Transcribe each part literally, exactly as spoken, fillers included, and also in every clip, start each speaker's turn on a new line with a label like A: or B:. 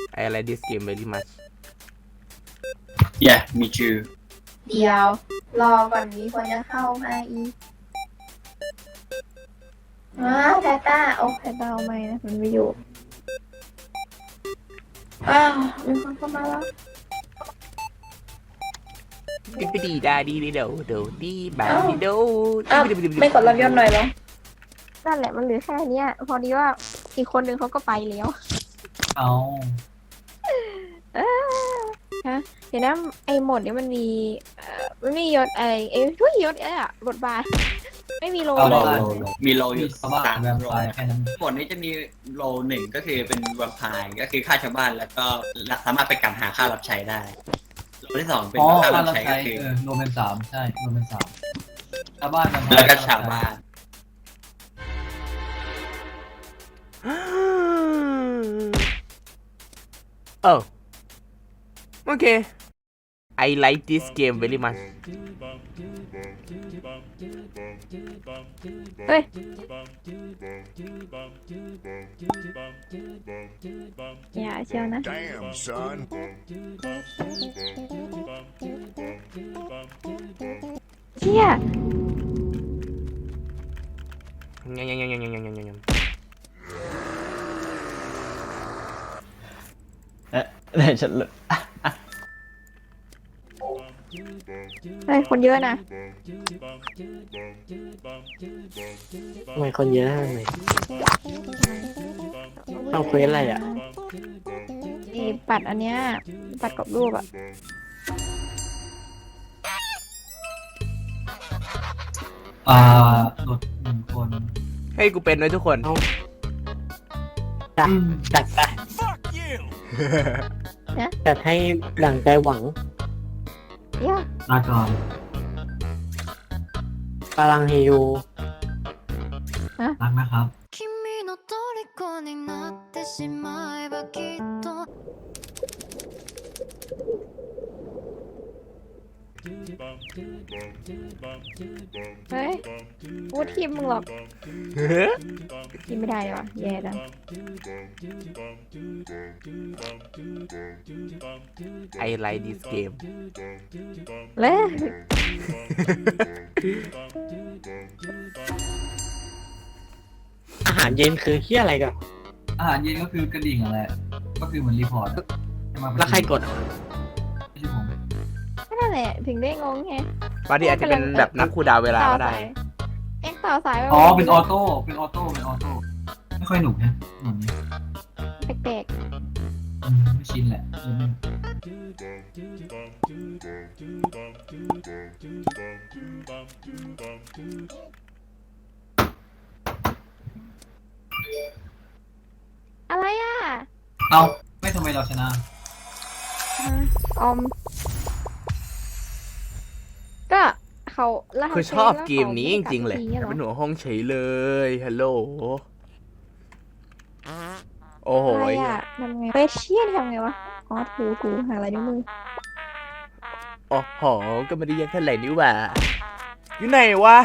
A: I like this game very much
B: yeah me too
C: เดี๋ยวรอก่อนมีคนจะเข้ามาอีกอ้าวแพต้าโอ้แพต้าเอาไม่นะมันไม่อยู่อ้าวมีคนเข้ามาแล้ว
A: ดิบดีดาดีดีโดโดดีบาดีโด
C: อ้าวไม่กดรับยอดหน่อยเหรอนั่นแหละมันเหลือแค่เนี้ยพอดีว่าอีกคนนึงเขาก็ไปแล้ว
D: เอา
C: เออฮะเดี๋ยวนะไอ้โหมดนี้มันมีเอ่อมันมียศอะไรเอ้ยทุยยศเอ้ยอะบทบาทไม่มีโล
D: เอา
C: เล
D: โล
C: ย
D: โลโล
B: มีโลอ
D: มี
B: ยู่
D: ชาวบ้าน
B: สาม
D: แวม
B: โล
D: ไพร์แค่นั้น
B: บทนี้จะมีโลหนึ่งก็คือเป็นแวมไพร์ก็คือฆ่าชาวบ้านแล้วก็สามารถไปกันหาค่ารับใช้ได้โลที่สองเป็น
D: อ๋อ
B: ค่า
D: ค่า
B: รับ
D: รับ
B: ใช้
D: ใช้
B: ก็คือ
D: เออรวมเป็นสามใช่รวมเป็นสามชาวบ้านแวมไพร์
B: แล้วก็ชาวบ้าน
A: oh okay I like this game very much
C: เฮ้ยอย่าเชียวนะ
E: Damn, son.
C: เชี่ย
A: ยังยังยังยังยังยังยังยัง
D: เอ๊ะไหนฉันเลย
C: เฮ้ยคนเยอะนะ
F: ทำไมคนเยอะทำไมเอาเควสอะไรอ่ะ
C: ไอ้ปัดอันเนี้ยปัดกับรูปอะ
D: อ่าหลุดหนึ่งคน
A: ให้กูเป็นด้วยทุกคน
F: จัดจัดไปจัดให้ดั่งใจหวัง
C: เหี้ย
D: ลาก่อน
F: พลังเฮยู
D: รักนะครับ
G: 君の虜になってしまえばきっと
C: เฮ้ยพูดทีมมึงหรอกทีมไม่ได้เลยวะแย่จัง
A: I like this game
C: เลย
F: อาหารเย็นคือเฮี้ยอะไรกัน
D: อาหารเย็นก็คือกระดิ่งอะไรก็คือเหมือนรีพอร์ตอะให้มาประชุม
F: แล้วใครกดอ่ะ
D: ไม่ใช่ผม
C: นั่นแหละถึงได้งงไง
A: บางทีอาจจะเป็นแบบนับคูลดาวน์เวลา
C: ต่อ
A: ก็ได้
C: สายเอ็กต่อสาย
D: อ๋อเป็นออโต้เป็นออโต้เป็นออโต้ไม่ค่อยหนุกนะหนุกนี้
C: แปลก
D: อืมไม่ชินแหละเออไม่
C: ๆอะไรอ่ะ
D: เอาไม่ทำไมเราชนะ
C: ออม ก็เขาแล้ว
A: คือชอบเกมนี้จริงๆเลยเป็นหัวห้องเฉยเลยฮัลโหลโอ้โห
C: อะไรอ่ะทำไงเฟเชียนทำไงวะอ๋อถูถูหาอะไรนิ้วมือ
A: โอ้โหก็ไม่ได้ยากเท่าไหร่นี่หว่าอยู่ไหนวะ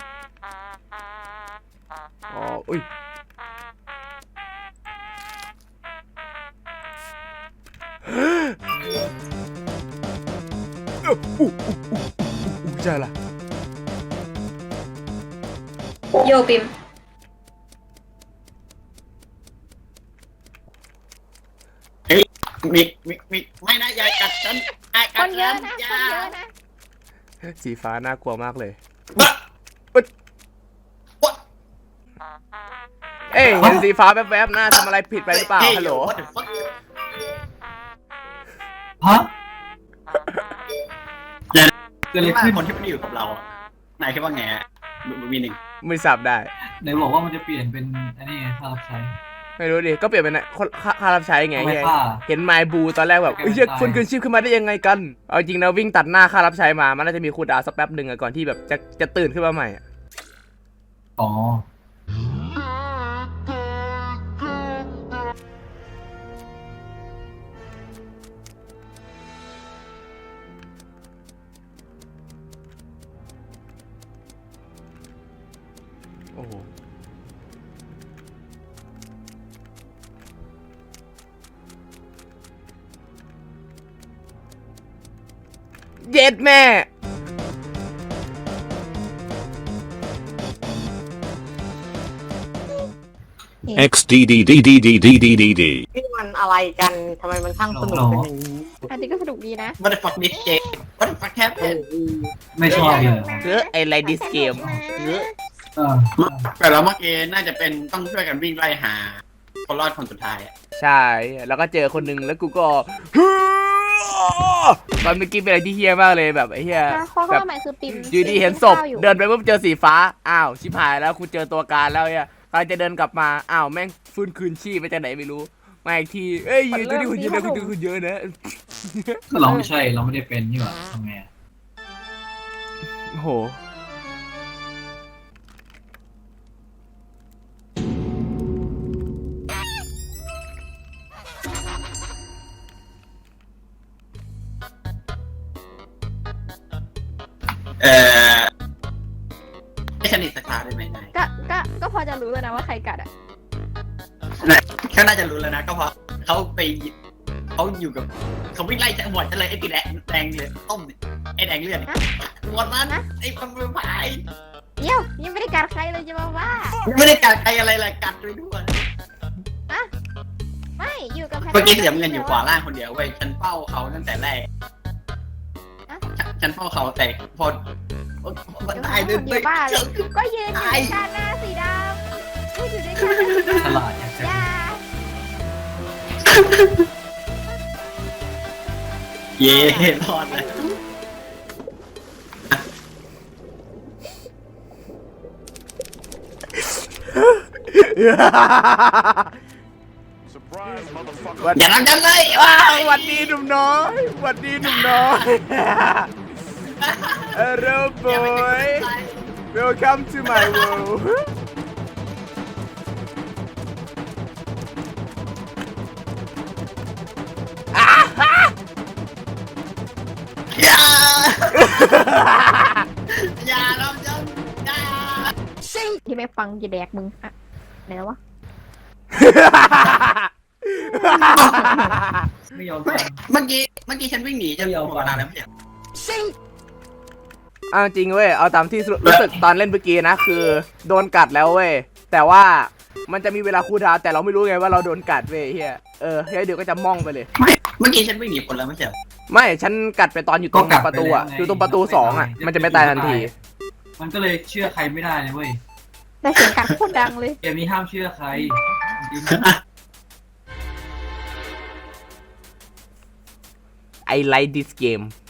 A: อ๋ออุ้ยอู้อู้อู้อู้ใช่ละ
C: โยปิม
B: มีมีมีไม่นะอย่ากัดฉันอย่า
C: ค
B: กัด
C: นเย
B: ฉั
C: อะ
B: น
C: นะ
B: อ
C: ค
B: ย่าน
C: เยอะนะ
A: สีฟ้าน่ากลัวมากเลย
B: บะ
A: เอ้ยเห็นสีฟ้าแวบๆหน้าทำอะไรผิดไปหรือเปล่าฮัลโหล
B: What the fuck
D: ฮะ
B: เดี๋ยว
D: เกิดอะไร
B: คิดว่า
D: ขึ้น
B: คนที่มันอยู่กับเราอะนายคิดว่าไงฮะมีหนึ่ง
A: ไม่สับได้
D: ไหนบอกว่ามันจะเปลี่ยนเป็นอันนี้ไงค่ารับใช้
A: ไม่รู้ดิก็เปลี่ยนเป็นคนค่าค่ารับใช้ไง
D: เอาไม่
A: ไง
D: ค่า
A: เห็นไมบูตอนแรกแบบ
D: ไม่
A: เอ้ย
D: เป็นไร
A: คนคืนชีพขึ้นมาได้ยังไงกันเอาจริงนะวิ่งตัดหน้าค่ารับใช้มามันน่าจะมีคูลดาวน์สักแป๊บหนึ่งอะก่อนที่แบบจะจะตื่นขึ้นมาใหม่อะ
D: อ๋อ
A: โอ้โหเย็ดแม่
E: X D D D D D D D D D
F: นี่มันอะไรกันทำไมมันช่างสนุกเป็นอย่างนี้
C: อันนี้ก็สนุกดีนะ
B: What the fuck this game What the fuck happened
D: ไม่ชอบเลย
A: เออไอไลดิสเกมเออ
D: เออ
B: แต่เราเมื่อกี้น่าจะเป็นต้องช่วยกันวิ่งไล่หาคนรอดคนสุดท้ายอะ
A: ใช่ แล้วก็เจอคนหนึ่งแล้วกูก็ตอนเมื่อกี้เป็นอะไรที่เฮี้ยมากเลยแบบไอ้เฮี้ย
C: ถ้าข้อ
A: แบบ
C: ข้อหมายคือปิม
A: อยู่ดีเห็นศพ
C: ข้าวอยู่
A: เดินไปปุ๊บเจอสีฟ้าอ้าวชิบหายแล้วกูเจอตัวการแล้วเนี่ยกำลังจะเดินกลับมาอ้าวแม่งฟื้นคืนชีพไปจากไหนไม่รู้มาอีกทีเอ้ยอยู่ตัวนี้คุณเยอะนะคุณเยอะคุณเยอะนะ
D: ก็เราไม่ใช่เราไม่ได้เป็นนี่หว่าทำไงอะ
A: โอ้โห
B: เออให้ฉันอีกสักคราวได้ไหมนาย
C: ก็ก็ก็พอจะรู้แล้วนะว่าใครกัดอ่ะ
B: นายเขาน่าจะรู้แล้วนะก็เพราะเขาไปเขาอยู่กับเขาวิ่งไล่จังหวัดจะเลยไอ้ตีแดงแดงเลยต้มเนี่ยไอ้แดงเลือดเนี่ยหมดนั้นนะไอ้คนมือพาย
C: เดี๋ยวยังไม่ได้กัดใครเลยจะมาว่า
B: ไม่ได้กัดใครอะไรเลยกัดด้วยด้วย
C: ไม่อยู่กับ
B: เมื่อกี้เสียเงินอยู่ขวาล่างคนเดียวเว้ยฉันเฝ้าเขาตั้งแต่แรกฉันเฝ้าเขาแต่พอมันตายเลย
C: เดี๋ยวบ้าเลยก็ยืนอยู่ในชาหน้าสีดำก็อยู่ในชาหน้า
D: ฉลาดอยากจะ
C: อย่า
B: เย่รอดเลย
A: วัน
B: อย่าทำฉันเลย
A: ว้าวหวัดดีหนุ่มน้อยหวัดดีหนุ่มน้อยเออ boy welcome to my world
B: อย่าอย่าทำฉันอย่า
C: ที่ไม่ฟังจะแดกมึงอะไหนแล้ววะ
D: ไม่ยอมฟัง
B: เมื่อกี้เมื่อกี้ฉันวิ่งหนีจะหมดเวลาแล้วไม่ใช่
A: เอาจริงเว้ยเอาตามที่รู้สึกตอนเล่นเมื่อกี้นะคือโดนกัดแล้วเว้ยแต่ว่ามันจะมีเวลาคูลดาวน์แต่เราไม่รู้ไงว่าเราโดนกัดเว้ยเฮียเออเฮียเดี๋ยวก็จะม่องไปเลย
B: ไม่เมื่อกี้ฉันวิ่งหนีคนแล้วไม่ใช่เหรอ
A: ไม่ฉันกัดไปตอนอยู่ตรงประตูอ่ะอยู่ตรงประตูสองอ่ะมันจะไม่ตายทันที
D: มันก็เลยเชื่อใครไม่ได้เลยเว้ย
C: แต่เสียงกัดโคตรดังเลย
D: เกมนี้ห้ามเชื่อใคร
A: I like this game